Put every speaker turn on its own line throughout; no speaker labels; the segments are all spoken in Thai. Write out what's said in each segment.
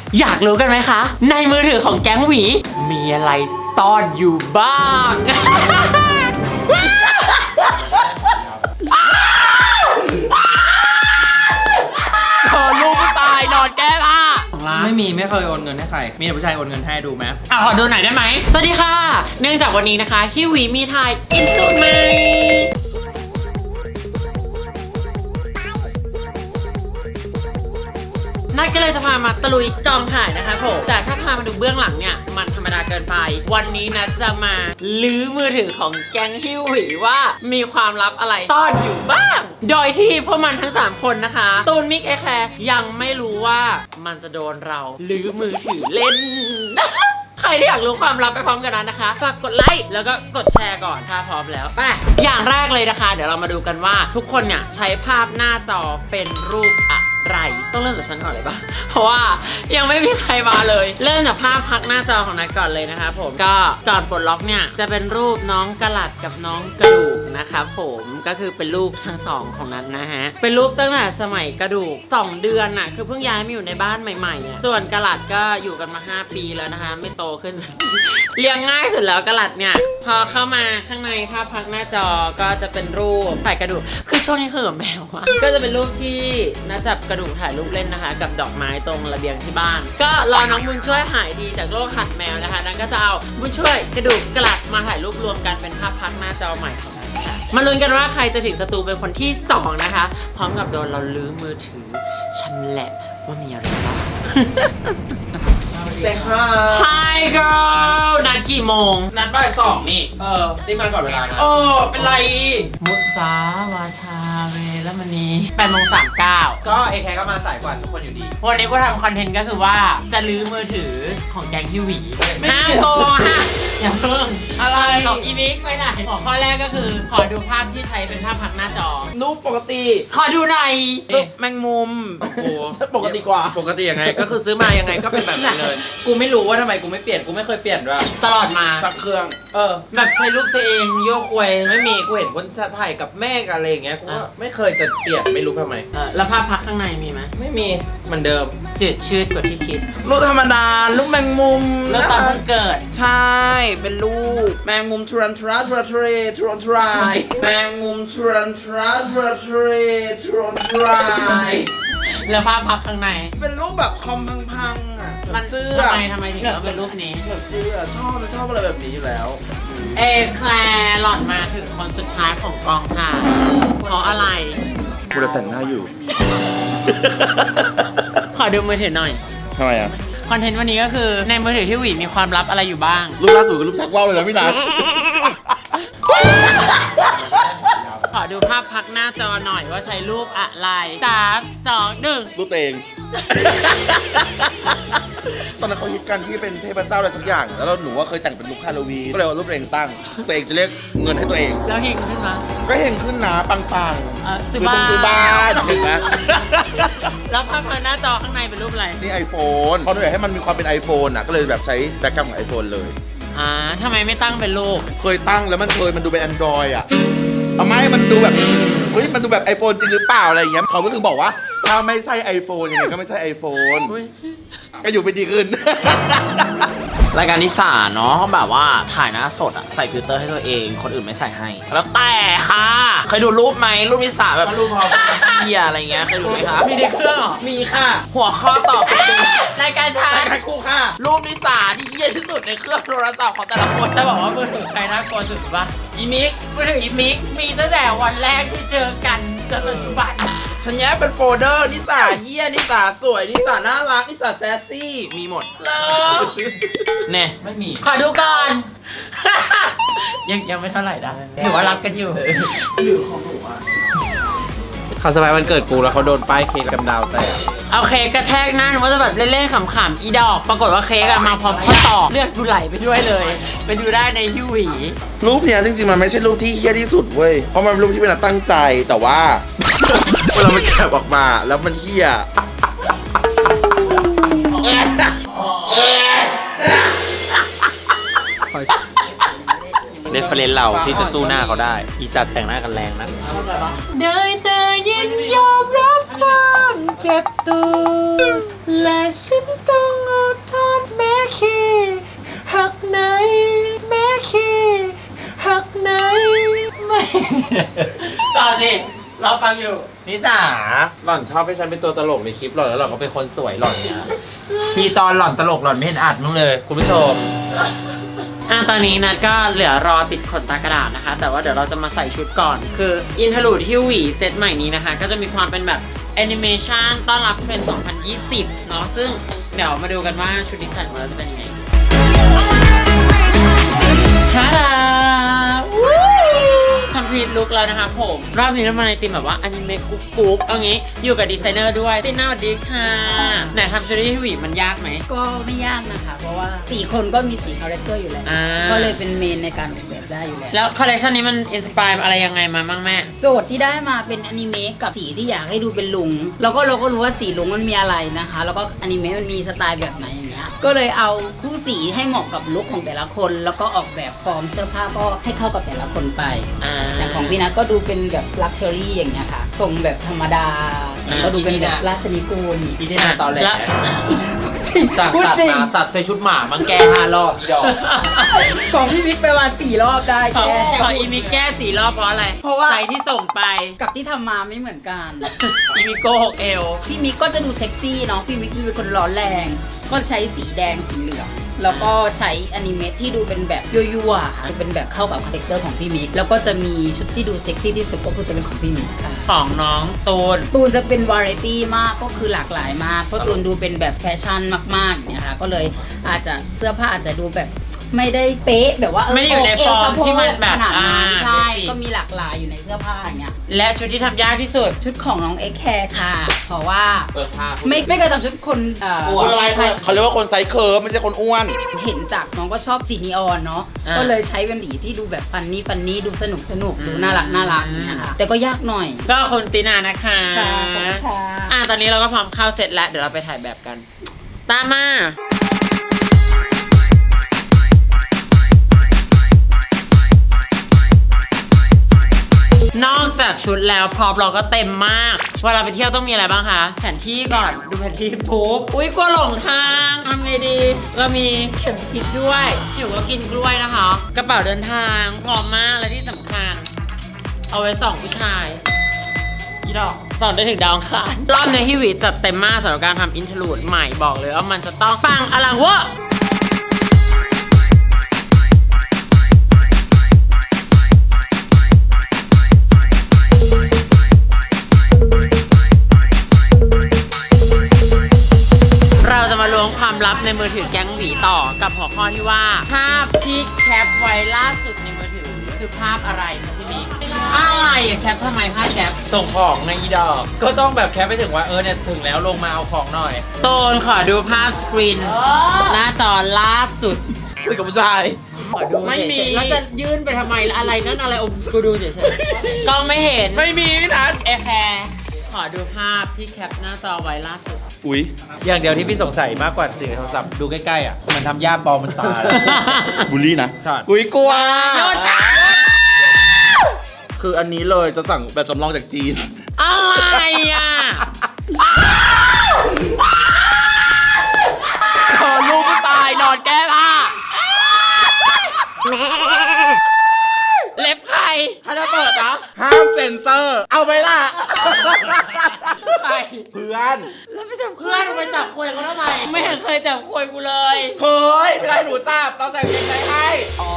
อยากรู้กันไหมคะในมือถือของแก๊งหวีมีอะไรซ่อนอยู่บ้างเจอลูกผู้ชายนอนแก้ผ้า
ไม่เคยโอนเงินให้ใครมีแต่ผู้ชายโอนเงินให้ดูไหม
ขอดูหน่อยได้ไหมสวัสดีค่ะเนื่องจากวันนี้นะคะที่หวีมีถ่ายอินสตูใหม่นัดก็เลยจะพามาตะลุยกองถ่ายนะคะผมแต่ถ้าพามาดูเบื้องหลังเนี่ยมันธรรมดาเกินไปวันนี้นัดจะมาลื้อมือถือของแก๊งฮิวหวีว่ามีความลับอะไรซ่อนอยู่บ้างโดยที่พวกมันทั้ง3คนนะคะตูนมิกแคร์ยังไม่รู้ว่ามันจะโดนเราลื้อมือถือเล่น ใครที่อยากรู้ความลับไปพร้อมกันนั้นนะคะฝากกดไลค์แล้วก็กดแชร์ก่อนถ้าพร้อมแล้วไปอย่างแรกเลยนะคะเดี๋ยวเรามาดูกันว่าทุกคนเนี่ยใช้ภาพหน้าจอเป็นรูปอะไรต้องเริ่มจากฉันก่อนเลยปะเพราะว่ายังไม่มีใครมาเลยเริ่มจากภาพพักหน้าจอของนัทก่อนเลยนะคะผมก็ก่อนปลดล็อกเนี่ยจะเป็นรูปน้องกะหลัดกับน้องกระดูกนะคะผมก็คือเป็นลูกทั้งสองของนัทนะฮะเป็นรูปตั้งแต่สมัยกระดูก2 เดือนน่ะคือเพิ่งย้ายมาอยู่ในบ้านใหม่ๆส่วนกะหลัดก็อยู่กันมา5 ปีแล้วนะคะไม่โตขึ้น เลี้ยงง่ายสุดแล้วกะหลัดเนี่ยพอเข้ามาข้างในภาพพักหน้าจอก็จะเป็นรูปใส่กระดูกคือช่วงนี้เขิมแมวอะก็จะเป็นรูปที่นัทจับกระดูกถ่ายรูปเล่นนะคะกับดอกไม้ตรงระเบียงที่บ้านก็รอน้องบุญช่วยหายดีจากโรคหัดแมวนะคะนั้นก็จะเอาบุญช่วยกระดูกกะหลัดมาถ่ายรูปรวมกันเป็นภาพพักหน้าจอใหม่ของนัทนะคะมาลุ้นกันว่าใครจะถึงสตูเป็นคนที่2นะคะพร้อมกับโดนเราลื้อมือถือชำแหละว่ามีอะไรบ้าง
เซ็งค่ะ
Hi girl นัดกี่โมง
นัดบ่าย2นี่นี่มาก่อนเวลานะเป็นไร
มุสาวาทาเวรมณี8:39
ก็เอแคก็มาสายกว่าทุกคนอยู่ดี
วันนี้กูทำคอนเทนต์ก็คือว่าจะลื้อมือถือของแก๊งฮิวหวีห้ามโกงฮะอย่าเพิ่งอะไรของอีมิกไปไหนหัวข้อแรกก็คือขอดูภาพที่ใช้เป็นภาพพักหน้าจอ
รูปปกติ
ขอดูหน่อย
รูปแมงมุมโอ้ปกติกว่าปกติยังไงก็คือซื้อมายังไงก็เป็นแบบนี้เลยกูไม่รู้ว่าทำไมกูไม่เปลี่ยนกูไม่เคยเปลี่ยนด้วย
ตลอดมา
สักเครื่อง
แบบใช้รูปตัวเองโยกควย
ไม่มีกูเห็นคนถ่ายกับแม่กับอะไรอย่างเงี้ยกูก็ไม่เคยจะเปลี่ยนไม่รู้ทำไม
แล้วภาพพักข้างในมีไหม
ไม่มีเหมือนเดิม
จืดชืดกว่าที่คิด
รูปธรรมดารูปแมงมุม
แล้วตอนเพิ่งเกิด
ใช่เป็นรูปแมงมุมทรันทราทราทรทรันทรายแมงมุมทรันทราทราทรทรันทราย
แล้วภาพพักข้างใน
เป็นรูปแบบคอมพังๆอ่ะ
มันเสื้อทำไมถึงต้องเป็นรูปนี้
แบบเสื้อชอบอะไรแบบนี้อยู่แล้ว
เอแคลร์หล่อนมาถึงคนสุดท้ายของกองถ่ายเพราะอะไร
กูจะแต่งหน้าอยู่
ขอดูมือถือหน่อย
ทำไมอ่ะ
คอนเทนต์วันนี้ก็คือในมือถือที่หวีมีความลับอะไรอยู่บ้าง
รูปล่าสุดคือรูปชักว่าวเลยนะพี่นัท
ขอดูภาพพักหน้าจอหน่อยว่าใช้รูปอะไร3 2 1
รูปตัวเองตอนนั้นเขาฮิตกันที่เป็นเทพเจ้าอะไรสักอย่างแล้วหนูว่าเคยแต่งเป็นลุคฮาโลวีนก็เลยเอารูปตัวเองตั้งตัวเองจะเรียกเงินให้ตัวเอง
แล้วเฮงขึ้นมา
ก็เฮงขึ้นนะปังๆ
ซื้อบ้าน
เห็นไหม
แล้วภาพพักหน้าจอข้างในเป็นรูปอะไร
นี่ iPhone เพราะหนูอยากให้มันมีความเป็น iPhone อ่ะก็เลยแบบใช้แบ็คกราวด์ของ iPhone เลย
ทำไมไม่ตั้งเป็นรูป
เคยตั้งแล้วมันดูเป็น Android อ่ะเอาไม่มันดูแบบเฮ้ยมันดูแบบ iPhone จริงหรือเปล่าอะไรอย่างเงี้ยเขาก็ถึงบอกว่าถ้าไม่ใช่ iPhone ยังไงก็ไม่ใช่ iPhone ก็อยู่ไปดีขึ้น
รายการนิสาเนาะเขาแบบว่าถ่ายหน้าสดอะใส่ฟิลเตอร์ให้ตัวเองคนอื่นไม่ใส่ให้แล้วแต่ค่ะเคยดูรูปไหมรูปนิสาแบบรูปเฮียอะไรเงี้ยเคยดูไหมคะ
มีในเครื่องหรอ
มีค่ะหัวข้อตอบ
รายการฉัน
รายการกูค่ะรูปนิสาที่เฮียที่สุดในเครื่องโทรศัพท์ของแต่ละคน
จะบอกว่ามือถือใครน่ากลัวสุดปะอีมิกมือถืออีมิกมีตั้งแต่วันแรกที่เจอกันจนปัจจุบัน
ฉันแยกเป็นโฟลเดอร์นิสาเฮียนิสาสวยนิสาน่ารักนิสาแซสซี่มีหมด
เนี่ย
ไม่มีขอดูก่อน ยังไม่เท่าไหร่นะถือว่ารักกันอยู่หรือของหนูอ่ะ
เขาสบายวันเกิดกูแล้วเขาโดนป้ายเค้กกับดาวแต่
เอาเค้กกระแทกนั่นว่าจะแบบเล่นๆขำๆอีดอกปรากฏว่าเค้กมาพร้อมข้อต่อเลือดกูไหลไปด้วยเลยไปดูได้ในฮิวหวี
รูปเนี้ยจริงๆมันไม่ใช่รูปที่เฮี้ยที่สุดเว้ยเพราะมันเป็นรูปที่เป็นตั้งใจแต่ว่าเวลามันแกะออกมาแล้วมันเฮี้ย
เรฟเฟรนซ์เราที่จะสู้หน้าเขาได้อีจัดแต่งหน้ากันแรงนะ
ได้แต่ยินยอมรับความเจ็บตัวและฉันต้อง
ฟังอยู่นิสาหล่อนชอบให้ฉันเป็นตัวตลกในคลิปหล่อนแล้วหล่อนก็เป็นคนสวยหล่อนเนี่ยพี่ตอนหล่อนตลกหล่อนไม่เห็นอัดมั้งเลยคุณผู้ชม
ตอนนี้นัดก็เหลือรอติดขนตากระดาษนะคะแต่ว่าเดี๋ยวเราจะมาใส่ชุดก่อนคืออินทรูดฮิวหวีเซตใหม่นี้นะคะก็จะมีความเป็นแบบแอนิเมชันต้อนรับเทรนด์ 2020 เนาะซึ่งเดี๋ยวมาดูกันว่าชุดนี้ใส่ของเราจะเป็นยังไงชาดาคอมพลีทลุคแล้วนะคะผมรอบนี้เรามาในธีมแบบว่าอนิเมะกุ๊กกุ๊กเอางี้อยู่กับดีไซเนอร์ด้วยติน่าสวัสดีค่ะไหนทำชุดฮิวหวีมันยากไหม
ก็ไม่ยากนะคะเพราะว่า4คนก็มี4คาแรคเตอร์อยู่แล้วก็เลยเป็นเมนในการออกแบบได้อยู่แล้ว
แล้วคอลเลคชันนี้มันอินสปายอะไรยังไงมาบ้างแม่
โจทย์ที่ได้มาเป็นอนิเมะกับสีที่อยากให้ดูเป็นลุงแล้วก็เราก็รู้ว่าสีลุงมันมีอะไรนะคะแล้วก็อนิเมะมันมีสไตล์แบบไหนอย่างเงี้ยก็เลยเอาคู่สีให้เหมาะกับลุคของแต่ละคนแล้วก็ออกแบบฟอร์มเสื้อผ้าก็ให้เข้ากับแต่ละคนไปแต่ของพี่นัทก็ดูเป็นแบบลักชัวรี่อย่างเงี้ยค่ะทรงแบบธรรมดาก็ดูเป็นแบบราชนิกูล
พี่ได้ตอนแรกตัดใส่ชุดหมามันแก้5 รอบอีดอก
ของพี่มิกไปวัน4 รอบได้แก้
ของอีมิกแก้4 รอบเพราะอะไร
เพราะว่า
ไซส์ที่ส่งไป
กับที่ทำมาไม่เหมือนกัน
อีมิโก้6 เอว
พี่มิกก็จะดูเซ็กซี่เนาะพี่มิกเป็นคนร้อนแรงก็ใช้สีแดงสีเหลืองแล้วก็ใช้อนิเมะที่ดูเป็นแบบยั่วๆค่ะเป็นแบบเข้ากับคาแรคเตอร์ของพี่มิกแล้วก็จะมีชุดที่ดูเซ็กซี่ที่สุดก็คือจะเป็นของพี่มิกค่ะ
ของน้องตูน
จะเป็นวาไรตี้มากก็คือหลากหลายมากเพราะตูนดูเป็นแบบแฟชั่นมากๆเนี่ยค่ะก็เลยอาจจะเสื้อผ้าอาจจะดูแบบไม่ได้เป๊ะแบบว่า
ไม่อยู่ในฟอร์มที่มันแบบ
ใช่ก็มีหลากหลายอยู่ในเสื้อผ้าอย่างเงี้ย
และชุดที่ทำยากที่สุด
ชุดของน้องเอ็กแคร์ค่ะเพราะว่าไม่เคยทำชุดคน
อ้วนอะไรเขาเรียกว่าคนไซส์เคิร์ฟไม่ใช่คนอ้วน
เห็นจากน้องก็ชอบสีนีออนเนาะก็เลยใช้เป็นสีที่ดูแบบฟันนี่ดูสนุกดูน่ารักนะคะแต่ก็ยากหน่อย
ก็คนตีนานะคะตอนนี้เราก็พร้อมเข้าเสร็จแล้วเดี๋ยวเราไปถ่ายแบบกันตามมานอกจากชุดแล้วพร็อพเราก็เต็มมากเวลาไปเที่ยวต้องมีอะไรบ้างคะแผนที่ก่อนดูแผนที่ปุ๊บอุ้ยกลัวหลงทางทำไงดีเรามีเข็มทิศด้วยอยู่ก็กินกล้วยนะคะกระเป๋าเดินทางพร้อมมากและที่สำคัญเอาไว้ส่องผู้ชายยี่ดอกสอนได้ถึงดาวอังคารรอบในฮิวิจัดเต็มมากสำหรับการทำอินทรูดใหม่บอกเลยว่ามันจะต้องปังอลังเวอร์ความลับในมือถือแก๊งหวีต่อกับหัวข้อที่ว่าภาพที่แคปไว้ล่าสุดในมือถือคือภาพอะไรคะพี่มิกอะไรแคปทำไมภาพแคป
ส่งของในอีดอกก็ต้องแบบแคปไปถึงว่าเนี่ยถึงแล้วลงมาเอาของหน่อย
โตนขอดูภาพสกรีนหน้าจอล่าสุด
คุยกับผู้ชาย
ขอดูไม่มีแล้วจะยื่นไปทำไมอะไรนั่นอะไรกูดูเฉยๆกล้องไม่เห็น
ไม่มีนะ
แคร์ขอดูภาพที่แคปหน้าจอไว้ล่าสุด
อุ๊ยอย่างเดียวที่พี่สงสัยมากกว่าสื่อโทรศัพท์ดูใกล้ๆมันทำย่าปลอมมันตา
บูลลี่นะ
อุ๊ยกลัว
คืออันนี้เลยจะสั่งแบบจำลองจากจีน
อะไร
ขอลูกผู้ชายนอนแก้ผ้า
เล็บใคร
ถ้าจะเปิดนะห้ามเซ็นเซอร์เอาไปล่ะ
ใคร
เพื่อน
แล้วไปจับเพื่อนไปจับคุยเขาทำไมไม่เห็นเคยจับคุยกูเลย
เคยไม่ได้หนูจับตอนใส่เกงในให้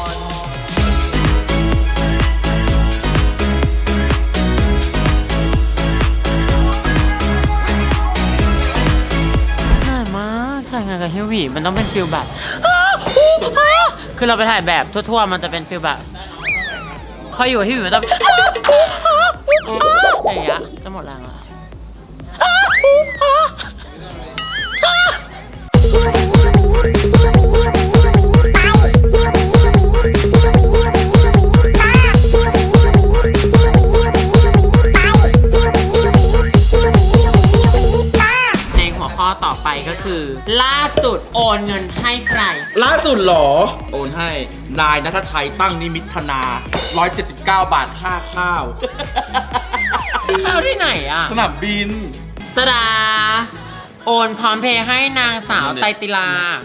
ถ่ายมาถ่ายงานกับฮิววี่มันต้องเป็นฟิลแบบคือเราไปถ่ายแบบทั่วๆมันจะเป็นฟิลแบบพออยู่ที่อยู่มันจะอย่างเงี้ยจะหมดแรงแล้วในหัวข้อต่อไปก็คือล่าสุดโอนเงินให้ใคร
ล่าสุดหรอโอนให้นายณัฐชัยตั้งนิมิตธนา179 บาทค่าข้าว
ข้าวที่ไหนอ่ะ
สนามบิน
ตะดาโอโอนพร้อมเพย์ให้นางสาวไตรติลา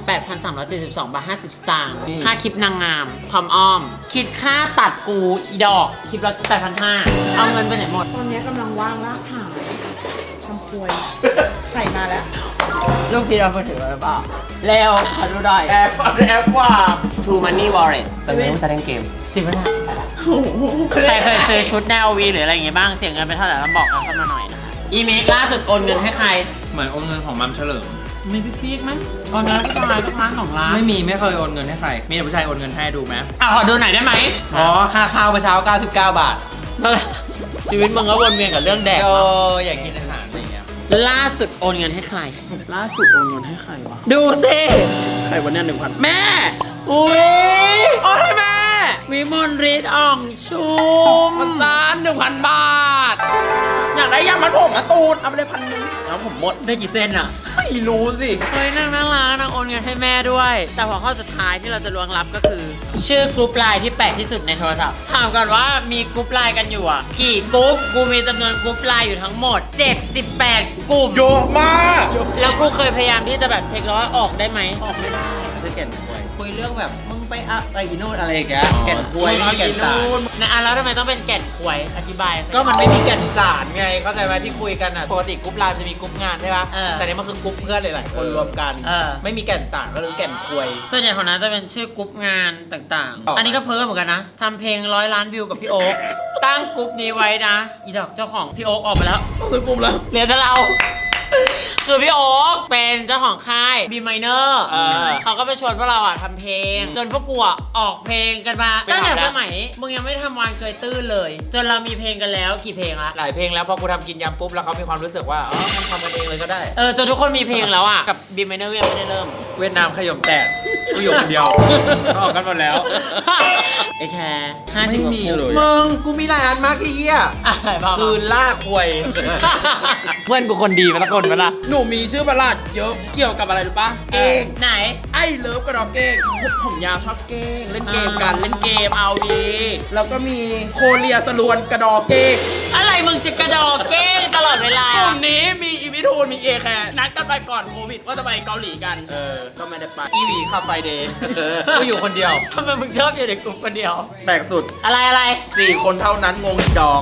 8,372 บาท 50 สตางค์ค่าคลิปนางงามพร้อมอ้อม คิดค่าตัดกูอีดอกคลิปละ 8,500 เอาเงินไปไหนหมด
ตอนนี้กำลังว่างลากถางทำควยใส่มาแล้ว
ลูกพี่เราไปถือมาหรือเปล่าเร็วขอดูหน่อย
แอปว่า
True Money Wallet แต่ไม่รู้จะเล่นเกมจริงไหมเนี่ยใครเคยซื้อชุดแนววีหรืออะไรอย่างเงี้ยบ้างเสียเงินไปเท่าไหร่แล้วบอกกันเข้ามาหน่อยนะคะอีเมลล่าสุดโอนเงินให้ใคร
เหมือนโอนเงินของมัมเฉลิม
มีพี่พีกไหมโอนเงินให้ผู้ชายสักล้าน2 ล้าน
ไม่เคยโอนเงินให้ใคร มีแต่ผู้ชายโอนเงินให้ดูไหม
ขอดูหน่อยได้ไหม
อ๋อ ค่าข้าวเมื่อเช้า 99 บาท
ชีวิตมึงก็วนเวียนกับเรื่องแดก
โอ้
เนาะ
อยากกินอาหารอะไรเงี้ย
ล่าสุดโอนเงินให้ใคร
ล่าสุดโอนเงินให้ใครวะ
ดูสิ
ใครวันนี้1,000
แม่อุ้ยโอนให้แม่วิมลฤทธิ์อ่องชุม
ล้าน 1,000 บาท อยากได้ยามัดผมมาตูนเอาไปเลย1,000แล้วผมหมด
ได้กี่เส้นอะ
ไม่รู้สิ
เฮ้ยนางน่ารักนางโอนเงินให้แม่ด้วย แต่หัวข้อสุดท้ายที่เราจะล้วงลับก็คือ ชื่อกรุ๊ปไลน์ที่แปลกที่สุดในโทรศัพท์ถามก่อนว่ามีกรุ๊ปไลน์กันอยู่อ่ะกี่กรุ๊ปกูมีจำนวนกรุ๊ปไลน์อยู่ทั้งหมด 78 กลุ่ม
เยอะมาก
แล้วกูเคยพยายามที่จะแบบเช็คแล้วว่าออกได้ไหมออกไม่ได้
จะแก่นควยคุยเรื่องแบบมึงไปอะไรอีโน่นอะไรอย่างเงี้ยแก่นควยไม่มีแก่นสาร
นะแล้วทำไมต้องเป็นแก่นควยอธิบาย
ก็มันไม่มีแก่นสารไงเข้าใจไหมที่คุยกันอ่ะปกติกรุ๊ปไลน์จะมีกรุ๊ปงานใช่ปะ
เออ
แต่นี่มันคือกรุ๊ปเพื่อนหลายๆคนรวมกัน
เออ
ไม่มีแก่นสารก็เลยแก่นควย
ส่วนใหญ่ของนั้นจะเป็นชื่อกรุ๊ปงานต่าง
อ๋อ
ๆ อันนี้ก็เพิ่มเหมือนกันนะทำเพลง100 ล้านวิวกับพี่โอ๊คตั้งกรุ๊ปนี้ไว้นะอีดอกเจ้าของพี่โอ๊คออกไปแล้ว
คือกลุ่มแล้ว
เหลือแต่เรา คือพี่โอ๊คเป็นเจ้าของค่าย B Minor เขาก็ไปชวนพวกเราอ่ะทำเพลง จนพวกกูอ่ะออกเพลงกันมาตั้งแต่สมัยมึงยังไม่ทำวานเกยตื้นเลย จนเรามีเพลงกันแล้วกี่เพลงละ
หลายเพลงแล้วพอกูทำกินยำปุ๊บแล้วเขามีความรู้สึกว่าอ๋อมันทำกันเองเลยก็ได้
จนทุกคนมีเพลงแล้วอ่ะ กับ B Minor ยังไม่ได้เริ่ม
เวียดนามขยมแตกกูอยู่คนเดียวออกกันหมดแล้ว
ไอ้แค่50 กว่าคุก
มึงกูมีหลายอันมากที่เหี้ย
อะไรบ้าง
คืนล่าควย
เพื่อนกูคนดีมาละคนมาละ
หนูมีชื่อประหลาดเยอะเกี่ยวกับอะไรรู้ปะเก้ง
ไหน
ไอ้เลิฟกระดอกเก้งผมยาวชอบเก้งเล่นเกมกันเล่นเกมเอาดีแล้วก็มีโคเรียสลวนกระดอกเก้ง
อะไรมึงจะกระดอกเก้งตลอดเวลาก
ลุ่มนี้มีอีวิทูนมีเอแคร์นัดกันไปก่อนโควิดว่าจะไปเกาหลีกันก็ไม่ได้ไปอีวีคาไฟเดย์ก็อยู่คนเดียว
ทำไมมึงชอบอยู่ในกลุ่มคนเดียว
แปลกสุด
อะไร
4 คนเท่านั้นงงอีกดอก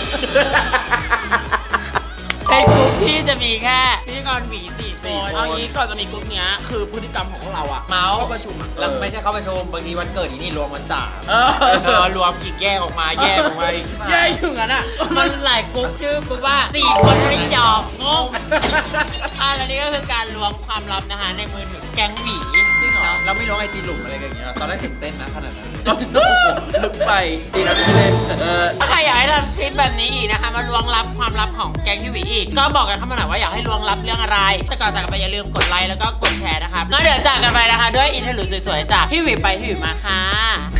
ในกลุ่มที่จะมีแค่พิธีกรหวี4 คน
เอางี้ก่อนจะมีกลุ่มเนี้ยคือพฤติกรรมของพวกเราอะเมาส์เข้าประชุมอะแล้วไม่ใช่เข้าประชุมบางทีวันเกิดอีนี่รวมวันสามรวมอีกแยกออกมาแยกออกมาแยกอยู่งั้นอะ
มันหลายกลุ่มชื่อกลุ่มว่า4 คนไม่ยอมงงแล้วนี่ก็คือการล้วงความลับนะคะในมือถือแก๊งหวี
จริงเหรอเราไม่รู้ไอจีหลุมอะไรกันอย่างเงี้ยตอนแรกตื่นเต้นนะขนาดนั้นลึกไปดีนะที่เล่น
ถ้าใครอยากให้ทำคลิปแบบนี้อีกนะคะมาล้วงลับความลับของแก๊งพี่หวีอีกก็บอกกันเข้ามาหน่อยว่าอยากให้ล้วงลับเรื่องอะไรแต่ก่อนจากกันไปอย่าลืมกดไลค์แล้วก็กดแชร์นะครับแล้วเดี๋ยวจากกันไปนะคะด้วยอินเทอร์ลูดสวยๆจากพี่หวีไปพี่หวีมาค่ะ